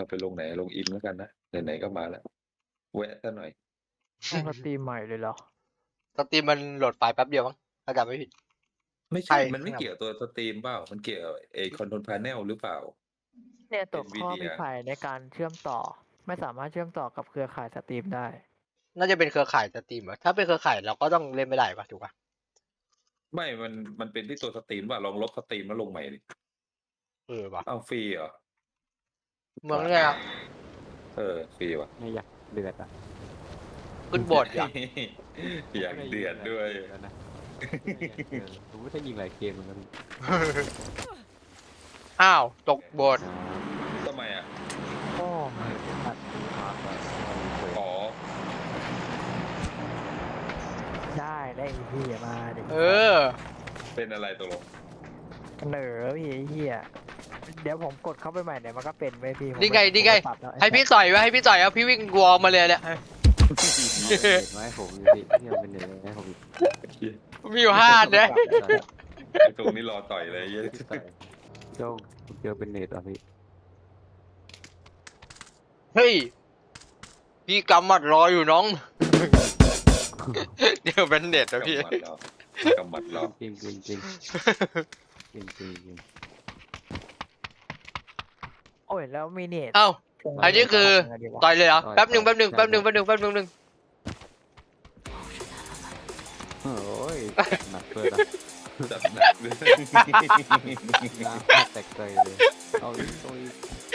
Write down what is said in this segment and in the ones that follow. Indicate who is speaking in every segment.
Speaker 1: เราไปลงไหนลงอินแล้วกันนะไหนๆก็มาแล้วแวะซะหน่อย
Speaker 2: ต้องสตรีมใหม่เลยเหรอ
Speaker 3: สตรีมมันโหลดไฟล์แป๊บเดียวมั้งถ้าจำไม่ผิด
Speaker 1: ไม่
Speaker 3: ใช่
Speaker 1: ใช่มันไม่เกี่ยวกับตัวสตรีมเปล่ามันเกี่ยวกับคอนโทรลพาเนลหรือเปล่า
Speaker 2: เนี่ยตัวข้อ
Speaker 1: NVIDIA
Speaker 2: มีไผ่ในการเชื่อมต่อ ไม่สามารถเชื่อมต่อกับเครือข่ายสตรีมได้
Speaker 3: น่าจะเป็นเครือข่ายสตรีมเหรอถ้าเป็นเครือข่ายเราก็ต้องเล่นไม่ได้ปะถูกปะ
Speaker 1: ไม่มันเป็นที่ตัวสตรีมว่าลองลบสตรีมแล้วลงใหม่ดิ
Speaker 3: ปะ
Speaker 1: เอาฟรีเหรอ
Speaker 3: เมืองเนี่ย
Speaker 1: ฟรีว่ะ
Speaker 4: ไม่อยากเดือดอ่ะ
Speaker 3: ขึ้นบทอ่ะ
Speaker 1: อยากเดือดด้วย
Speaker 4: แล้วนะผมไม่ได้ยิงหลายเกมเหมือนกัน
Speaker 3: อ้าวตกบท
Speaker 1: ทำไมอ่ะ
Speaker 2: โอ้
Speaker 4: ตัดมาแบบ
Speaker 1: อ๋อ
Speaker 2: ได้ไอ้เหี้ยมาดิ
Speaker 1: เป็นอะไรตกลง
Speaker 2: เหนอพี่ไอ้เหี้ยเดี๋ยวผมกดเข้าไปใหม่เดี๋ยวมันก็เป็นไว้พี่ผม
Speaker 3: นี่ไง
Speaker 2: ผม
Speaker 3: นี่ไง
Speaker 2: ปรับแล้ว
Speaker 3: ให้พี่ต่อยไว้ให้พี่ต่อยเอาพี่วิ่งวอลมาเลยเนี่ย
Speaker 4: เห็นไหมผมพี่ที่มันเป็นเนื้อให้ผมอีก
Speaker 3: มีอยู่5 อันนะ
Speaker 1: ไอ้ตรงนี้รอต่อยเลยเยอะ
Speaker 4: โจ้เจอเป็นเน็ตอ่ะพี่
Speaker 3: เฮ้ยพี่กำหมัดรออยู่น้อง เดี๋ยวเป็นเน็ตนะพี่
Speaker 1: กำมัดเรา
Speaker 4: จริงจริงจริงจริงจริงจริง
Speaker 2: โอ้ยแล้วมีเน็ต
Speaker 3: เอ้า อันนี้คือ ต่อยเลยเหรอ
Speaker 4: ต่อย
Speaker 3: แป๊บหนึ่ง
Speaker 4: ต่อย
Speaker 3: แป๊บหนึ่ง
Speaker 4: โอ้ยหนักเลยนะ
Speaker 1: จัดหนักเลย
Speaker 4: น้ำแตกใจเลยเอาอีกตัวอีก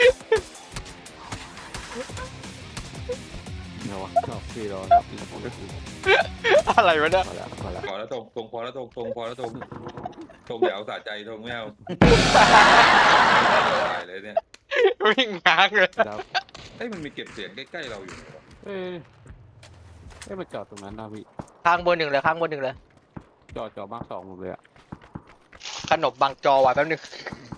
Speaker 4: เนาะชอบพี่รอครับอีกคนก็คือ
Speaker 3: อะไรวะเนี่ย
Speaker 4: พอแล้วพอแล้ว
Speaker 1: พอแล้วตรงพอแล้วตรงพอแล้วตรงเดี๋ยวสะใจตรงไม่เอาตายเลยเนี่ย
Speaker 3: วิ่งง้างเลย
Speaker 4: แล้ว
Speaker 1: มันมีเก็บเสียงใกล้ๆเราอยู่
Speaker 4: เอ้ยมาจอดตรงนั้นนะพี่
Speaker 3: ข้างบนหนึ่งเลย
Speaker 4: จอบ้างสองหมดเลยอ่ะ
Speaker 3: ขนมบังจอว่ะแป๊บหนึง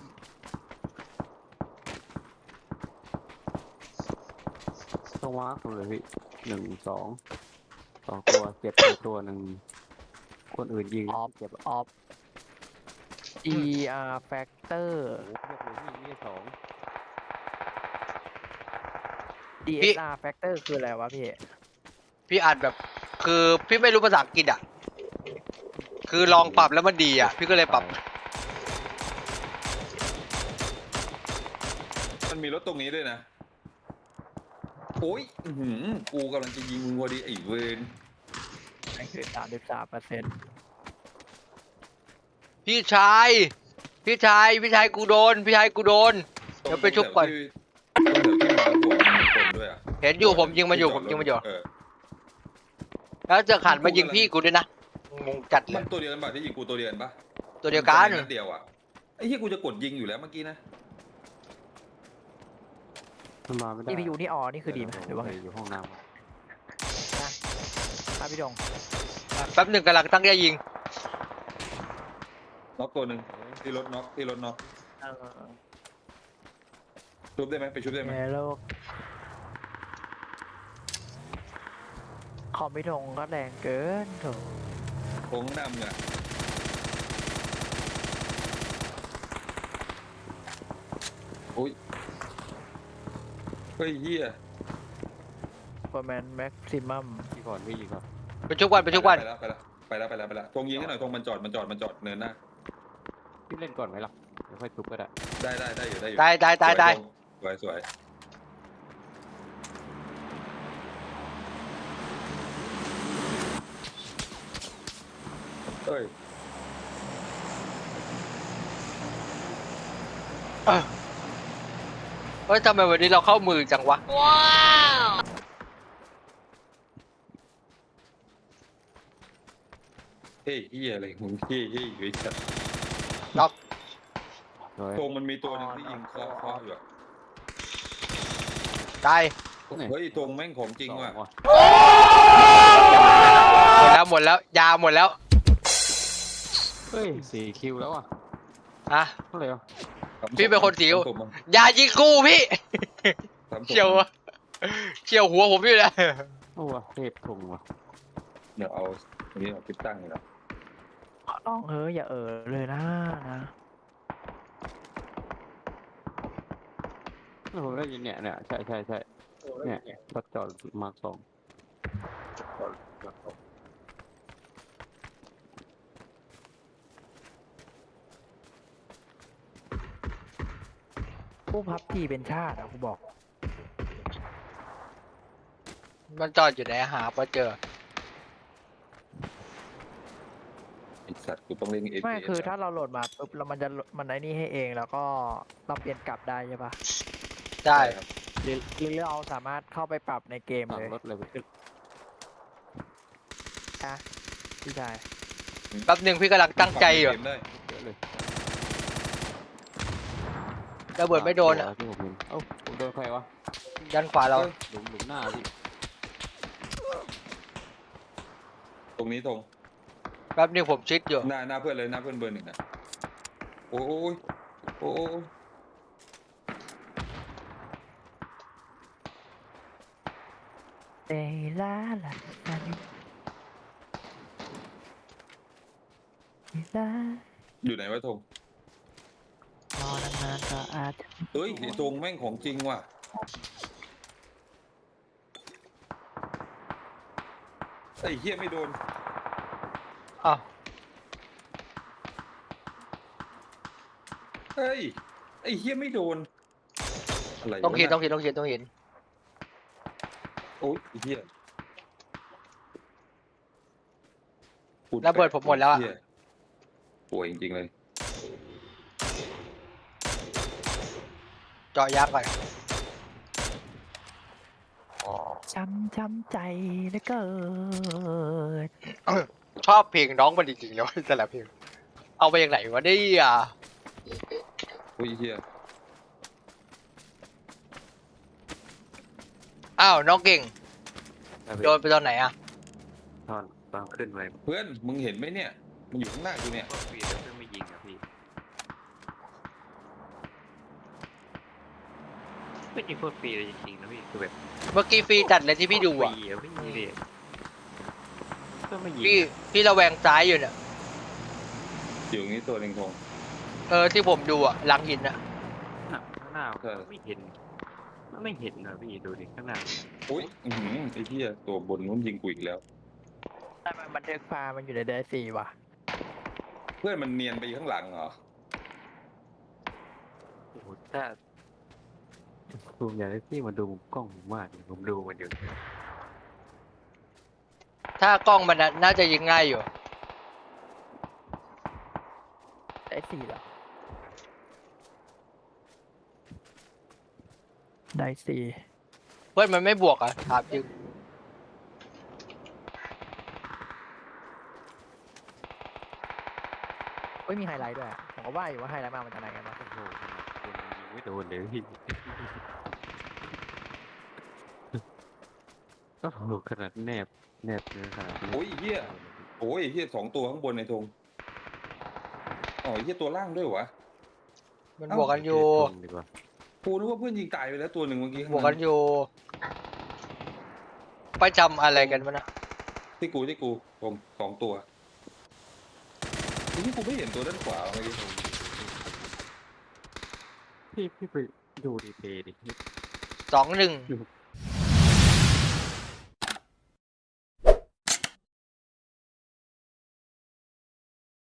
Speaker 4: ต้องวางหมดเลยพี่1 2 2 ตัวเจ็บตัวหนึ่งคนอื่นยิง
Speaker 2: ออฟ
Speaker 4: เจ็บ
Speaker 2: ออฟ ER factor
Speaker 4: โอ้โหเรียกเลยพี่นี่2
Speaker 2: DSR factor คืออะไรวะพี่
Speaker 3: พี่อ่านแบบ คือพี่ไม่รู้ภาษาอังกฤษอ่ะ คือลองปรับแล้วมันดีอ่ะ พี่ก็เลยปรับ
Speaker 1: มันมีรถตรงนี้ด้วยนะโอ้ยกูกำลังจะยิงมึงพอดีไอ้เวร
Speaker 2: นั่นคือ33%
Speaker 3: พี่ชาย กูโดน เดี๋ยวไปชุบก่อน เห็นอยู่ผมยิงมันอยู่ แล้วจะขันมายิงพี่กูด้วยนะ งงจัดเล
Speaker 1: มั
Speaker 3: ย
Speaker 1: นตัวเดียวกันป่ะที่ยิงกูตัวเดียวกันป่ะ
Speaker 3: ตัวเดียวกัน
Speaker 1: นัดเดียวอ่ะไอ้ที่กูจะกดยิงอยู่แล้วเมื่อกี้นะ
Speaker 4: มันมาไม่ได้
Speaker 2: CPU นี่นี่คือดีไหมหรือว่าไง
Speaker 4: อยู่ห้องน้ำ
Speaker 2: ครับพี่ดง
Speaker 3: แป๊บหนึ่งกำลังตั้งใจยิง
Speaker 1: น็อกตัวหนึ่งที่รถน็อก
Speaker 2: เออ
Speaker 1: ชุบได้ไหมไปชุบได้ไหม
Speaker 2: ในโลกคอมพี่ดงก็แรงเกินโถ
Speaker 1: โค้งดำเนี่ยโอ้ยเฮ้ยเฮีย
Speaker 2: ประมาณแม็กซิมัม
Speaker 4: พี่ก่อนพี่ยิงก่อน
Speaker 3: ไปชุบวัน
Speaker 1: ไปแล้วทงยิงให้หน่อยทงมันจอดเนินหน้า
Speaker 4: พี่เล่นก่อนไหมล่ะเดี๋ยวค่อยทุบก็ได้
Speaker 1: ได้อยู่
Speaker 3: ได้
Speaker 1: สวยเอ้ย
Speaker 3: เฮ้ยทำไมวันนี้เราเข้ามือจังวะ
Speaker 1: เฮ้ยเฮียอะไรมึงเฮ้ยอยู่ไอ้สัตว์
Speaker 4: โดย
Speaker 1: ทงมันมีตัวหนึงที่ยิงเคาะอยู่อะ
Speaker 3: ตาย
Speaker 1: เฮ้ยทงแม่งของจริงว่ะ
Speaker 3: หมดแล้ว ยาหมดแล้ว
Speaker 4: เฮ้ย4 คิวแล้วอ่ะ
Speaker 3: ฮะ
Speaker 4: เท่าไหร่อ่ะ
Speaker 3: พี่เป็นคนสิว ยายิงกูพี่ เฉียวหัวผมอยู่เลย
Speaker 4: โอ้วเทพทงว่ะ
Speaker 1: เดี๋ยวเอาอันนี้เอาติดตั้งเลยนะ
Speaker 2: ขอร้องอย่าเลยนะ
Speaker 4: ผมได้ยินเนี่ยใช่เนี่ยรถจอดมาร์คสอง
Speaker 2: ผู้พับทีเป็นชาติอ่ะกูบอก
Speaker 3: มันจอดอยู่ไหนหาพอเจอ
Speaker 1: ไอสัตว์กูต้องเล่นเอ
Speaker 2: ไม่คือถ้าเราโหลดมาปุ๊บแล้วมันไอ้นี่ให้เองแล้วก็เราเปลี่ยนกลับได้ใช่ปะ
Speaker 3: ได้
Speaker 1: ครับ
Speaker 2: หรือเราสามารถเข้าไปปรับในเกม
Speaker 4: สั่ง
Speaker 2: เลย
Speaker 4: รถเลยพี่
Speaker 2: นะพี่ชาย
Speaker 3: แป๊บหนึ่งพี่กำลังตั้งใจอยู่
Speaker 1: เกมได้
Speaker 4: เยอะเลย
Speaker 3: ระเบิดไม่โดน
Speaker 4: สา
Speaker 3: อ่ะ
Speaker 4: มตัวที่ผมเห็นเอ้าผมโดนใครวะ
Speaker 3: ด้านขวาเรา
Speaker 4: หลุมหน้าพี่
Speaker 1: ตรงนี้ตรง
Speaker 3: แป๊บหนึงผมชิดอยู่
Speaker 1: หน้าเพื่อนเลยหน้าเพื่อนเบอร์หนึ่งนะโอ้ยโอ้ย
Speaker 2: เอลาลาลาลา
Speaker 1: อยู่ไหนวะธง
Speaker 2: รอนานๆก็อาจจะ
Speaker 1: เฮ้ยไอ้ธงแม่งของจริงว่ะไอ้เหี้ยไม่โดน
Speaker 3: อ้าว
Speaker 1: เฮ้ยไอ้เหี้ยไม่โดนอะไรวะ
Speaker 3: ต้องหิน
Speaker 1: น่ะ
Speaker 3: ต้องหินต้องหินต้องหิน
Speaker 1: โอ้ยไอ้เหี้ยพู
Speaker 3: ระเบิดผมหมดแล้วอะ
Speaker 1: เหี้ยป่วยจริงๆเลย
Speaker 3: เจาะยักษ์ก่อน
Speaker 2: ช้ำใจเหลือเกิน
Speaker 3: ชอบเพลงน้องมันจริงๆแล้วแต่ละเพลงเอาไปอย่างไหนวะเนี่ย
Speaker 1: โอ้ยไอ้เหี้ย
Speaker 3: อ้าวน้องเก่ง
Speaker 4: ได้พี่
Speaker 3: โดนไปตอนไหนอ่ะ
Speaker 4: ตอนขึ้นไป
Speaker 1: เพื่อนมึงเห็นไหมเนี่ยมันอยู่ข้างหน้ากูเนี่ย
Speaker 4: ก็ฟรีแล้วเพิ่งไม่ยิงอะพี่ไม่ยิงโคตรฟรีเลยจริงๆนะพี่คือแบบ
Speaker 3: เมื่อกี้ฟรีจัดเลยที่พี่ดูอ่ะ
Speaker 4: ฟรีอะไม่มีเลยก็ไม่ยิง
Speaker 3: พี่ระแวงซ้ายอยู่เนี่ย
Speaker 1: อยู่ตรงนี้ตัวหนึ่งธง
Speaker 3: ที่ผมดูอ่ะหลังหินอ่ะ
Speaker 4: ข้างหน้า
Speaker 1: ใช่
Speaker 4: ไม่เห็นไม่เห็นนะพี่ดูดิข้างหน้า
Speaker 1: โอ้ยอื้อหือไอ้เหี้ยตัวบนนู้นยิงกูอีกแล้ว
Speaker 2: แต่มันบันทึกฟ้ามันอยู่ในเดซี่ว่ะ
Speaker 1: เพื่อนมันเนียนไปข้างหลังเหรอ
Speaker 4: โอ้โหถ้าผมอยากให้พี่มาดูมุมกล้องผมมากเลยผมดูมันอยู่
Speaker 3: ถ้ากล้องมันน่าจะยิงง่ายอยู่
Speaker 2: เดซี่เหรอได้สี่
Speaker 3: เพื่อนมันไม่บวกอ่ะถามจริง
Speaker 2: เฮ้ยมีไฮไลท์ด้วยอะผมก็ว่าอยู่ว่าไฮไลท์มาจากไหนกันวะ
Speaker 4: โอ้โหขนาดคนยิงไม่โดนเลยพี่ก็โหขนาดแนบเนื้อขนาดนี้
Speaker 1: โอ้ยไอ้เหี้ยโอ้ยไอ้เหี้ยสองตัวข้างบนในธงอ๋อไอ้เหี้ยตัวล่างด้วยวะ
Speaker 3: มันบวกกันอยู่
Speaker 4: ตรงดีกว่า
Speaker 1: กูนึกว่าเพื่อนยิงตายไปแล้วตัวหนึ่งเมื่อกี้
Speaker 3: บวกกันอยู่ไปจำอะไรกันวะนะ
Speaker 1: ที่กูผมสองตัวที่กูไม่เห็นตัวด้านขวาเมื่อกี้
Speaker 4: พี่ไปดูดีเพย์ดิ
Speaker 3: 2-1
Speaker 4: อยู่